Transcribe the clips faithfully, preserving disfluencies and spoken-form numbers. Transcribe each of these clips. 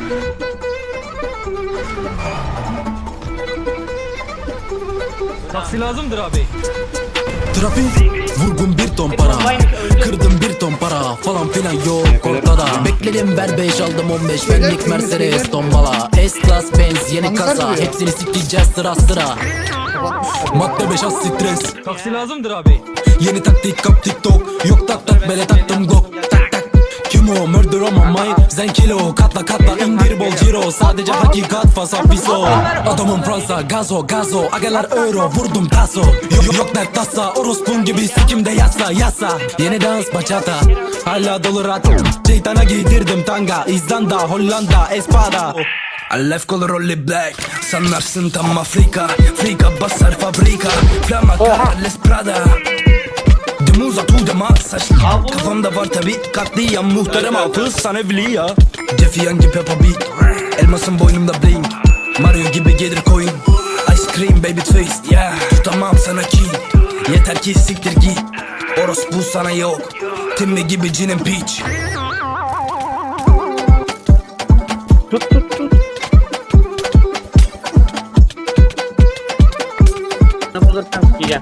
Taksi lazımdır abi. Trafik, vurgun bir ton para, kırdım bir ton para falan filan yok ortada. Bekledim ver beş aldım on beş benlik Mercedes tombala. S-Class Benz yeni kasa, hepsini sikeceğiz sıra sıra. Madde beş az stres, Taksi lazımdır abi. yeni taktik kap TikTok. Yok tak tak bele taktım gok. Tak tak kim o murder on my mind. Zen kilo katla katla indir bol ciro. Sadece hakikat fasafiso. Adamım Fransa gazo gazo. Agalar euro vurdum taso. Yok yok dert tasa. Orospun gibi sikimde yasa yasa. Yeni dans bachata. Hala dolu rat. Şeytana giydirdim tanga. İzlanda Hollanda Espada. Alef kolu rolli black. Sanlarsın tam Afrika. Frika basar fabrika. Flama Carles Prada. Demuza tu dema saç. Kafamda var tabi katliam muhterem hafız sana evliya. Jeffy gibi Peppa Beat. Elmasın boynumda bling. Mario gibi gelir coin. Ice cream baby twist yeah. Tutamam sana ki. Yeter ki siktir git. Orospu sana yok. Timmy gibi cinin peach. Tut tut tut. Ne bulursan sikeceğim.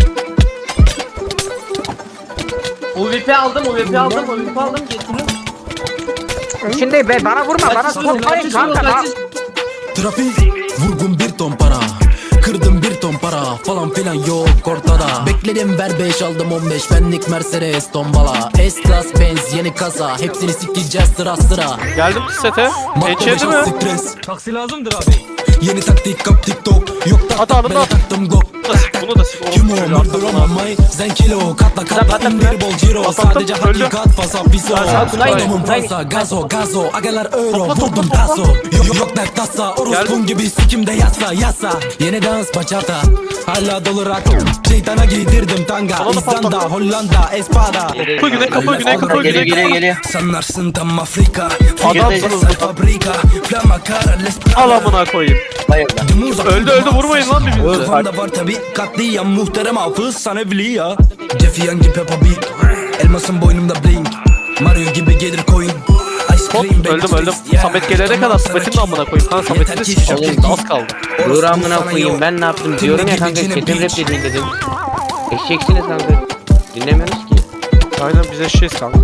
U V P aldım, U V P aldım, U V P aldım, getirin. Şimdi be bana vurma, bana sokmayın kanka bak. Trafik, vurgun bir ton para, kırdım bir ton para falan filan yok ortada. Bekledim ver beş aldım on beş benlik Mercedes tombala. S-Class Benz yeni kasa, hepsini sikeceğiz sıra sıra. Geldim sete. Geçirdi mi? Stres, Taksi lazımdır abi. yeni taktik kap TikTok. Yok tak Hadi tak alın bele lan. taktım gok. Bunu da sik, bunu da sik. Kim o murder on my mind. Zen kilo katla katla indir bol ciro. Sadece hakikat fasafiso. Adamım Fransa gazo gazo. Agalar euro vurdum taso. Yok yok dert tasa. Orospun gibi sikimde yasa yasa. Yeni dans bachata. Hala dolu rat. Şeytana giydirdim tanga. İzlanda Hollanda Espada. Kapı güney, kapı güney, kapı Geliyor, güney. geliyor, geliyor. Sanlarsın tam Afrika. Adamsınız. Fabrika. Flama Carles Al amına koyayım. Demuza Öldü öldü vurmayın lan birbirinize. Kafamda var tabi katliam muhterem hafız sana evliya. Jeffy gibi Peppa Beat. Elmasın boynumda bling. Mario gibi gelir coin. Ice Hop cream baby öldüm öldüm. twist, yeah. Samet gelene kadar Samet'in de amına koyayım. Lan Samet'in de sikeceğim şimdi az kaldı. Dur amına koyayım ben ne yaptım diyorum ya kanka kedim rap dediğin dedim. Eşeksiniz kanka. Dinlemiyoruz ki. Aynen biz eşeğiz kanka.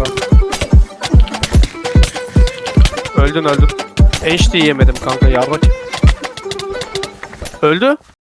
Öldün öldün. H D yemedim kanka yarrak. Öldü.